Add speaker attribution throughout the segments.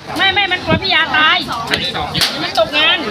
Speaker 1: ไม่มันกลัวพี่ยาตายมันตกงาน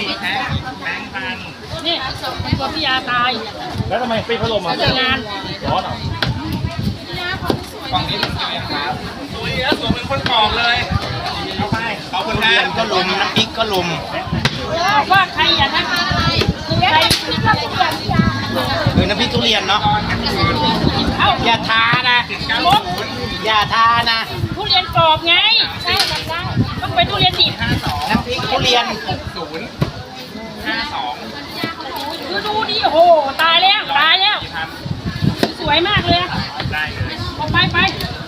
Speaker 1: นี่มันกลัวพี่ยาตาย
Speaker 2: แล้วทำไมปิดพัดลมอ่ะ
Speaker 1: ตกงาน
Speaker 2: ร้อนเหรอฝั่งนี้มันจะยังครับสวยแล้วสวยเป็นคนกองเลยเอาไปเอาคนแรกก็ลุมน้ำพริกก็ลุม
Speaker 1: ว่าใครอย่าทำใคร
Speaker 3: คือน้ำพริกทุเรียนเนาะอย่าทานะอย่าทานะ
Speaker 1: ทุเรียนกรอบไงใช่มันได้ต้องเป็นทุเรียนดิบ
Speaker 3: น้ำพริกทุเรียน
Speaker 1: ดูดิโอ้โหตายแล้วสวยมากเลยเอาไป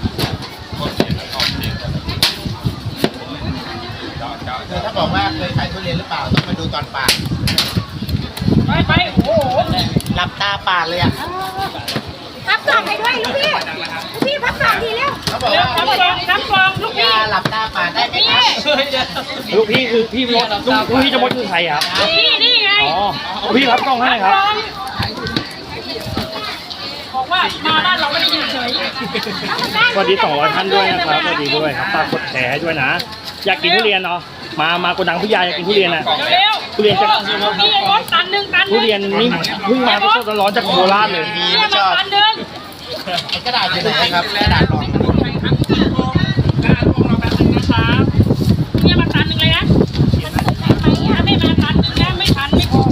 Speaker 3: ถ้าบอกว่าเคยขายทุเรียนหรือเปล่าต้องมาดูตอนปาด
Speaker 1: ไปโอ้โห
Speaker 3: หลับตาปาดเลยอ่ะ
Speaker 4: พับกล่องให้ด้วยลูกพี่พับกล่องทีเร็ว
Speaker 3: เขาบอกว่า
Speaker 1: น้ำกรองลูกพี่
Speaker 3: หลับตาปาดได้ไหมครับ
Speaker 2: ลูกพี่คือพี่มดลูกพี่จะมดคือใครครับ
Speaker 1: นี่ไง
Speaker 2: อ๋อลูกพี่ครับกล้องให้ครับ
Speaker 1: บอกว่ามาบ้านเราไม่ได้ยืนเฉย
Speaker 2: สวัสดี200 ท่านด้วยนะครับสวัสดีด้วยครับฝากกดแชร์ให้ด้วยนะอยากกินทุเรียนเนาะมาโกดังพี่ยาอยากกินทุเรียนนะทุเรียนจะทุเรียนนี่เพิ่งมาสดๆร้อนจากโคราชเลย
Speaker 3: ไม่ชอบกระดาษอยู่ไหนครับกระดาษรอง
Speaker 1: เนี่ยมาตันหนึ่งเลยนะไม่มาตันหนึ่งนะไม่ทันไม่พอ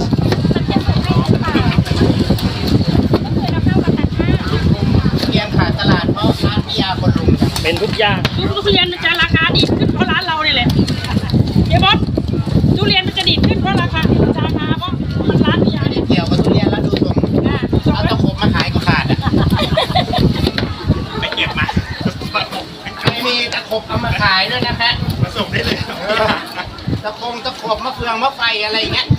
Speaker 3: เรียนขาดตลาดเพราะร้านพี่ยาคนลุม
Speaker 2: เป็นทุกอย่าง
Speaker 1: ทุเรียนจะราคาดีขึ้นเพราะร้านเราเนี่ยแหละเดี๋ยวบอสทุเรียนมันจะดีขึ้นเพราะราคาเพราะมันร้านพี่ยาเนี่ย
Speaker 3: เกี่ยวกับทุเรียนแล้วดูตรงเอาตะขบมาขายก็ขาดอ่ะ
Speaker 2: ไปเก็บมา
Speaker 3: มีตะขบเอามาขายด้วยนะฮะ
Speaker 2: มาส่งได้เลย
Speaker 3: ตะขบมะเฟืองมะไฟอะไรอย่างเงี้ย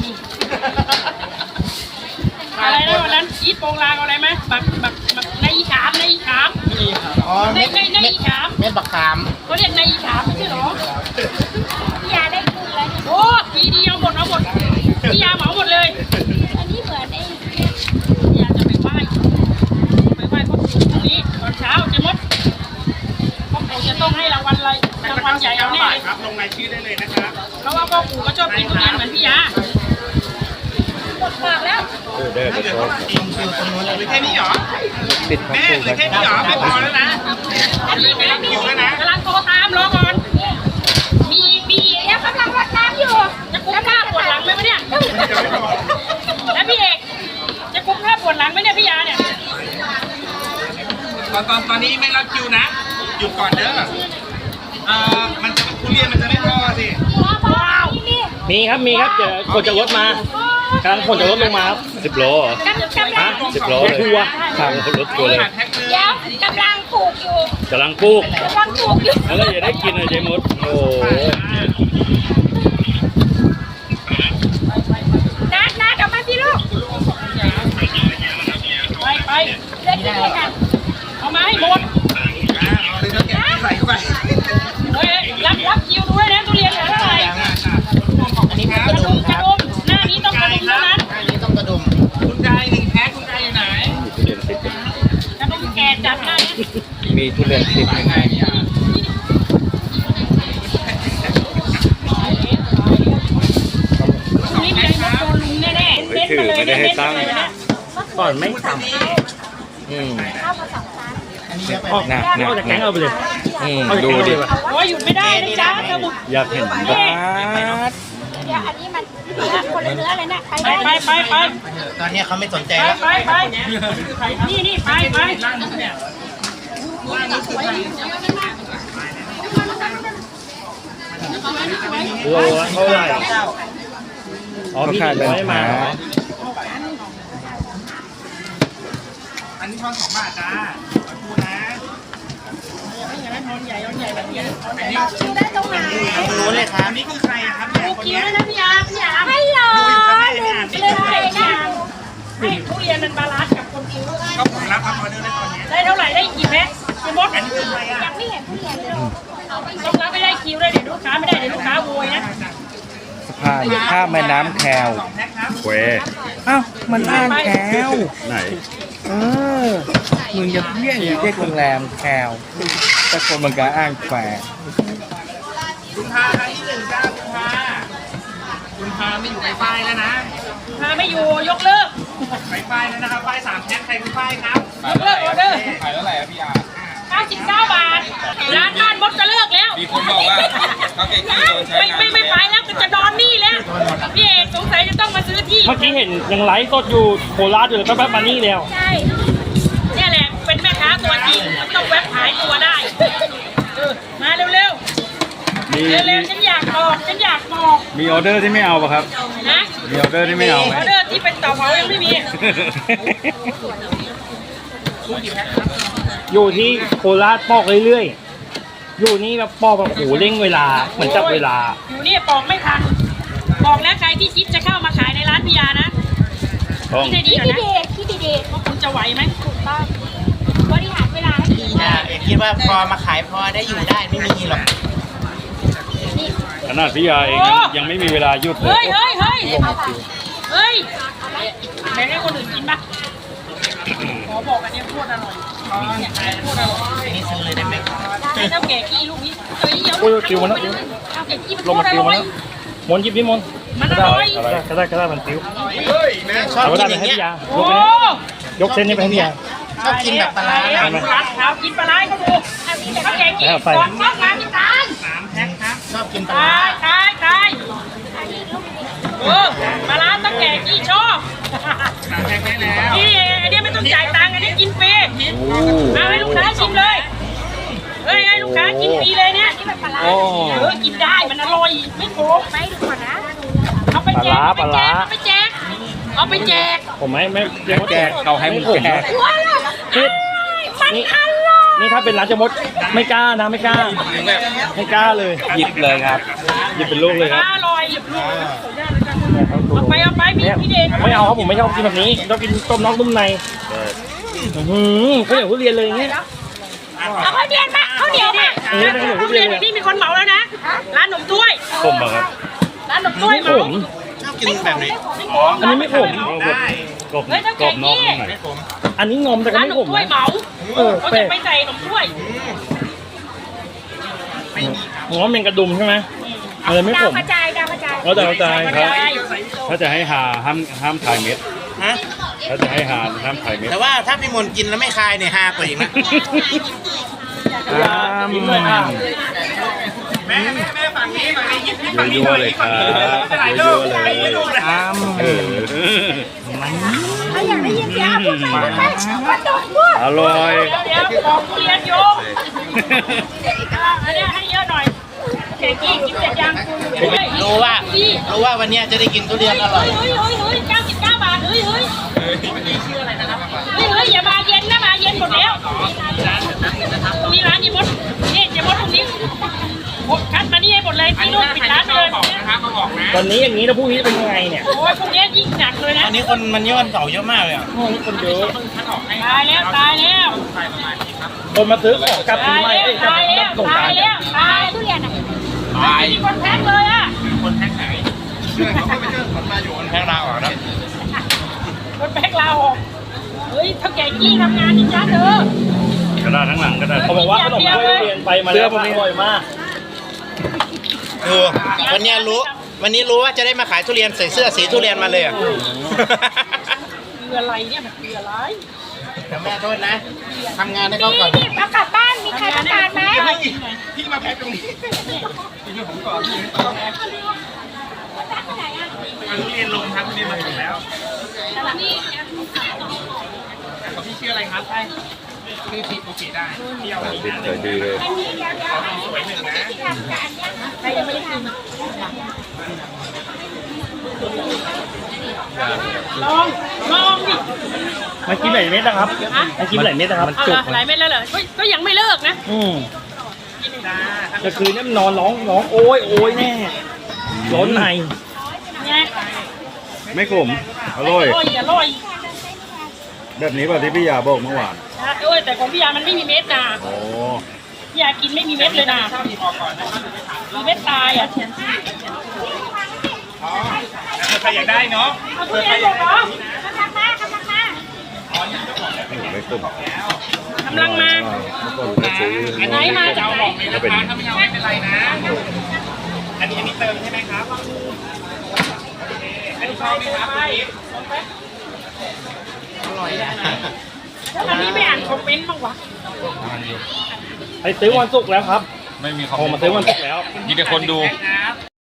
Speaker 1: อะไรนะวันนั้นอีทโปงลางอะไรไหมบักในอีขาม
Speaker 3: อ๋อใน
Speaker 1: อีขาม
Speaker 3: เม็ดบักขาม
Speaker 1: เขาเรียกในอีขามใช่หรอ
Speaker 4: พี่ยาได้คืนเลย
Speaker 1: โอ้ทีเดียวหมดพี่ยาเหมาหมดเลย
Speaker 4: อันนี้เหมือนไอ้
Speaker 1: พี่ยาจะไปไหว้พ่อปู่ตรงนี้ตอนเช้าเจ๊มดพ่อปู่จะต้องให้รางวัลอะไรรางวัลใหญ่เอาแน่
Speaker 2: ครับลงรายชื่อได้เลยนะครับ
Speaker 1: เพราะว่าพ่อปู่ก็ชอบกินทุเรียนเหมือนพี่ยาหมดปากแล้ว
Speaker 2: เดินไปโชว์
Speaker 3: คิวตรงนู้นเลย
Speaker 2: แค่นี้เหรอปิดแม่หรือแค่นี้เหรอไม่พอแล้วนะ
Speaker 1: อยู่แล้วนะกำลังโทรตามรอก่อนมี
Speaker 4: เดี๋ยวกำลังรดน้ำอยู่
Speaker 1: จะกุมข้าปวดหลังไหมวะเนี่ยแล้วพี่เอกจะกุมข้าปวดหลังไหมเนี่ยพี่ยาเนี่ย
Speaker 2: ตอนนี้ไม่รับคิวนะหยุดก่อนเด้อมันทุเรียนมันจะไม่พอสิมีครับเดี๋ยวคนจะรถมากำลังคนจะรถลงมาครับ10 โลฮะ10 โลเลยทัวร์ครับรถทัวร์เลย
Speaker 4: เดี๋ยวกำลังปลูกอยู่
Speaker 2: แล้วก็อย่าได้กินเลยเจมดโอ้
Speaker 4: นัดออกมาสิลูก
Speaker 1: ไป
Speaker 4: เล่นด้วยกัน
Speaker 1: เอามาให้หมด
Speaker 2: ใส่เข้าไป
Speaker 1: รับคิวด้วยนะทุเรียนเหลือเท่าไหร่
Speaker 3: อันนี้กระดุมครับ
Speaker 1: หน้านี้ต้องกระดุมเท่านั้น
Speaker 3: อันนี้ต้องกระดุม
Speaker 2: คุณกาย1 แพ็คคุณกายอยู่ไหน
Speaker 1: กระดุมแก่จัดหน้านี้
Speaker 2: มีทุเรียน10ยังไง
Speaker 1: นี่มีไอ้มดโดนลุงแน่ๆเน้นมาเลยเนี่ยเน้นมาเลยเนี่ย
Speaker 2: ก่อนไม่ทำหนักแกงเอาไปเลยดูดิ
Speaker 1: โอ้ยหยุดไม่ได้นะจ๊ะเธอบุก
Speaker 2: อยากเห็นบ้า
Speaker 4: เดี๋ยวอันนี้มันคนละเนื้อเลยนะ
Speaker 1: ไป
Speaker 3: ตอนนี้เขาไม่สนใจแล้ว
Speaker 1: ไปนี่ไป
Speaker 2: โลเท่าไหร่อ๋อพี่ไม่มาอันนี้ทอน2 บาทจ้าพูดนะ
Speaker 4: คิวได้ตรงไหน
Speaker 3: รู้เลยครับ
Speaker 2: นี่คือใครครับเนี่ย
Speaker 1: คิวได้นะพี่ยา
Speaker 4: ไม่หรอเลย
Speaker 1: ให้ทุเรียนมันบาลานซ์กับคนคิว
Speaker 2: ก็ผมรับออเดอร์ได้ตอนนี้
Speaker 1: ได้เท่าไหร่ได้กี่แพ็คคุณมด
Speaker 2: อันนี้คืออะไรอ่ะ
Speaker 4: ยังไม่เห็นทุเรียนเลย
Speaker 1: ต้องรับไม่ได้คิวได้เดี๋ยวลูกค้าไม่ได้เดี๋ยวลูกค้าโวยนะ
Speaker 5: สะพานข้ามแม่น้ำแคว
Speaker 2: เว
Speaker 5: อ้าวมันอ้างแคว
Speaker 2: ไหน
Speaker 5: มึงจะเรียกโรงแรมแควแต่คนมันก็อ้างแคว
Speaker 2: คุณพาครั้งที่หนึ่งจ้าคุณพาไม่อยู่ไฟแล้วนะ
Speaker 1: พาไม่อยู่ยกเลิก
Speaker 2: ไฟแล้วนะครับไฟ3แพ็คใครคือไฟครับ
Speaker 1: ยกเลิกออเดอร์
Speaker 2: ขายเท่าไหร่อะพี่อา
Speaker 1: 99 บาทร้านบ้านมดจะเลิกแล้ว
Speaker 2: มีคนบอกว่าเขาเก่งที่โดนใช้งาน
Speaker 1: ไม่ไปแล้วก็จะนอนนี่แล้วพี่เอกสงสัยจะต้องมาซื้อที่
Speaker 6: เมื่อกี้เห็นยังไลฟ์สดอยู่โคราชอยู่เลยแป๊บๆมานี่แล้ว
Speaker 1: ใช่เนี่ยแหละเป็นแม่ค้าตัวจริงมันต้องแวบขายตัวได้มาเร็วเร็วฉันอยากบอก
Speaker 5: มีออเดอร์ที่ไม่เอาป่ะครับ
Speaker 1: นะ
Speaker 5: มีออเดอร์ที่ไม่เอาไหม
Speaker 1: ออเดอร์ที่เป็นเต่าเผายังไม่มี
Speaker 6: อยู่ที่โคราชปอกเรื่อยๆ อยู่นี่แบบปอกแบบโหเร่งเวลาเหมือนจับเวลา
Speaker 1: อยู่นี่ปอกไม่ทันบอกแล้วใครที่คิดจะเข้ามาขายในร้านพิยานะ
Speaker 5: ต้อง
Speaker 1: คิดให้ดี
Speaker 4: พี่
Speaker 1: ก่อน
Speaker 4: ดี
Speaker 1: นะ
Speaker 4: เดชพี่ดีเดช
Speaker 1: ว่าคุณจะไหวไหม
Speaker 4: ถูกต้องบริหารเวลาให้ดี
Speaker 3: อย่าคิดว่าพอมาขายพอได้อยู่ได้ไม่มีหรอก
Speaker 5: ขนาดพี่ยาเองยังไม่มีเวลาหยุดเลย
Speaker 1: เฮ้ยแบ่งให้คนอื่นกินปะขอบอกอันนี้พูดอร่อยพูดอร่อย
Speaker 3: นี่ซื้อเลยได้ไหม
Speaker 1: ให้เท่าแก่กี้ลูกนี้เฮ้ยเดี๋ยว
Speaker 6: โอ้ยติวมาแล้ว
Speaker 1: เท่าแก่กี้มัน
Speaker 6: ลงมาติวมาแล้วมนต์หยิบนี่มนต์
Speaker 1: มันอร่อย
Speaker 6: ก็ได้มันติว
Speaker 3: ชอบ
Speaker 6: เอาก็
Speaker 3: กิ
Speaker 6: ได้
Speaker 3: น
Speaker 6: ไป
Speaker 3: อย่าง
Speaker 6: ให้
Speaker 3: เงี้ย
Speaker 6: พี่ยา
Speaker 1: โอ้
Speaker 6: ยกเส้นนี้ไปให้พี่ยา
Speaker 3: ชอบกินแบบปลาร้า
Speaker 1: ร้านกินปลาไหลเขาดูเท่าแก่กี้
Speaker 6: แล้วไฟ
Speaker 1: สองช่องมาพี่ตาล
Speaker 2: 3แพ็คครับ
Speaker 3: ชอบกินปลาร้า
Speaker 1: ตายปลาร้าเท่าแก่กี้ชอบ
Speaker 2: 3แพ็คได้แล้ว
Speaker 1: นี่อันนี้ไม่ต้องจ่ายตังค์อันนี้กินฟรีเอาให้ลูกค้าชิมเลยเฮ้ยให้ลูกค้ากินฟรีเลยเนี่ยกินแบบปลาร้ากินได้มันอร่อยไม่โกง
Speaker 4: ไม่ดูก่อนนะ
Speaker 1: เอาไปแจกเอาไปแจก
Speaker 6: ผมไม่แจก
Speaker 5: เขาให้มึงแจก
Speaker 4: ว้าว
Speaker 6: คิด
Speaker 4: มัน
Speaker 6: นี่
Speaker 4: อร่อย
Speaker 6: นี่ถ้าเป็นร้านจะมดไม่กล้านะไม่กล้าไม่กล้าเลย
Speaker 5: หยิบเลยครับ หยิบเป็นลูกเลยครับ
Speaker 1: อร่อยเอาไปพี่เด็ก
Speaker 6: ไม่เอาครับผมไม่ชอบกินแบบนี้ชอบกินต้มน้องต้มในข้าวเหนียวทุเรียนเลยอย่างเงี้ย
Speaker 4: เอาข้าวเดียนมาข้าวเหนียวมา
Speaker 1: ทุเรียนแบบนี้มีคนเหมาแล้วนะร้านหนมถ้วย
Speaker 5: ผมอะครับ
Speaker 1: ร้านหนมถ้วย
Speaker 6: ไม่
Speaker 1: เห
Speaker 6: ข
Speaker 1: มาม
Speaker 3: ชอบกินแบบไหน
Speaker 6: อันนี้ไม่ขม
Speaker 2: ได้
Speaker 5: กรอบกรอบนอกนุ่มใน
Speaker 3: ไม่ผม
Speaker 6: อันนี้งอมแต่ก็
Speaker 1: ร้าน
Speaker 6: ไม่
Speaker 1: หน
Speaker 6: ข
Speaker 1: ม
Speaker 6: ม
Speaker 1: ถ้วย
Speaker 6: นะ
Speaker 1: เหมา
Speaker 6: แปล
Speaker 1: เขาจะ
Speaker 6: ก
Speaker 1: ไปใส่หนมถ้วย
Speaker 6: งอมเป็นกระดุมใช่ไหมอะไรไม่
Speaker 4: ดา
Speaker 6: ข
Speaker 4: ว
Speaker 6: ม
Speaker 4: กระจายดาวกระจาย
Speaker 5: แล้วแต่เข้าใจครับถ้าจะให้หาห้ามถ่ายเม็ด
Speaker 3: ฮะ
Speaker 5: ถ้าจะให้หาห้ามถ่ายเม็ด
Speaker 3: แต่ว่าถ้าพี่มนต์กินแล้วไม่คายเนี่ยฮากว่าอีกนะ
Speaker 6: ยิ้มเลยค่ะ
Speaker 2: แม่ฝั่งนี้ยิบฝั่งนี้
Speaker 5: ยั่วๆเลยครับยั่วๆเลย เออ
Speaker 4: ถ้าอยากได้ยินเสียงพูดไปว่าดกพูด
Speaker 5: อร่อย
Speaker 1: เดี๋ยวบอกทุเรียนโยมอันนี้ให้เยอะหน่อยแกกี้กินเสร็จยัง
Speaker 3: รู้ว่าวันเนี้ยจะได้กินทุเรียนอร่อย
Speaker 1: เฮ้ย99 บาทเฮ้ยอย่ามาเย็นนะมาเย็นหมดแล้วมีร้านนี้หมดนี่จะหมดตรงนี้คัดมานี่ให้หมดเลยที่นู่นปิดร้านเลย
Speaker 6: ตอนนี้อย่างนี้แล้วพรุ่งนี้เป็นยังไงเนี่ย
Speaker 1: โอ้ยพวกนี้ยิ่งหนักเลยนะ
Speaker 3: อันนี้คนมันเยอะมันเก่าเยอะมากเลยอ่ะ
Speaker 6: คนเยอะ
Speaker 1: ตายแล้ว
Speaker 6: คนมาซื้อของกลับปีใหม่กลับสงกรานต์
Speaker 1: ตาย
Speaker 4: ทุเรียนอ่ะ
Speaker 1: ไม่มีคนแพ็คเลยอ่ะ
Speaker 3: คนแพ็คลาวอ่ะนะ
Speaker 1: คนแพ็คเราออกเฮ้ยเท่าแก่กี้ทำงานนี่จ้าเธอก
Speaker 5: ระดาษทั้งหลังกระดาษ
Speaker 6: เขาบอกว่าขนมถ้วยทุเรียนไปมาแล้วอร่อยมาก
Speaker 3: วันนี้รู้ว่าจะได้มาขายทุเรียนใส่เสื้อสีทุเรียนมาเลยอ่ะ
Speaker 1: คืออะไรเนี่ยมันคืออะไร
Speaker 3: แต่แม่โทษนะทำงานให้เขาก่อน
Speaker 4: นี่เอากลับบ้านมีใครต้องการไหม
Speaker 2: พี่มาแพ็คตรงนี้ทุเรียนลงครับทุเรียนมาถึงแล้วพี่ชื่ออะไรครับชื่อทิพย์โอเคได้เที่ยวนี้นะ
Speaker 5: สวยดีเลย
Speaker 4: อันนี้เดี๋ยว
Speaker 2: สวยหนึ่งนะ
Speaker 4: ที่ทำการเนี่ย
Speaker 1: ใครยังไม่ได้กินลองดิ
Speaker 6: มันกินหลายเม็ดนะครับมันกินหลายเม็ดนะครับ
Speaker 1: เอาละหลายเม็ดแล้วเหรอก็ยังไม่เลิกนะ
Speaker 6: จะคืนนี้มันนอนร้องโอ้ยแน่ร้อนใน
Speaker 1: ไง
Speaker 5: ไม่ขม อร่อย
Speaker 1: อร่อย
Speaker 5: แบบนี้ป่ะที่พี่ยาบอกเมื่อวาน
Speaker 1: โอ้ยแต่ของพี่ยามันไม่มีเม็ดนะ
Speaker 5: โอ้
Speaker 1: พี่ยากินไม่มีเม็ดเลยนะมีเม็ดตายอ่ะ
Speaker 2: ใครอยากได้เนาะ
Speaker 1: เอาทุเรียนหมดเหรอก
Speaker 4: ำลังมากำลังมา
Speaker 5: ไม่ขม
Speaker 1: กำลังมา
Speaker 5: เมื่อก่อนก็ซื้อ
Speaker 1: ไหนมาจากไหน
Speaker 2: ถ้าเป็นถ้าไม่เอาไม่เป็นไรนะ
Speaker 3: อร่อยนะ
Speaker 1: แล้วอันนี้ไม่อ่านคอมเมนต์บ้างวะ
Speaker 6: ไปซื้อวันศุกร์แล้วครับ
Speaker 5: ไม่มีคอม
Speaker 6: โทรมาซื้อวันศุกร์แล้ว
Speaker 5: มีแต่คนดู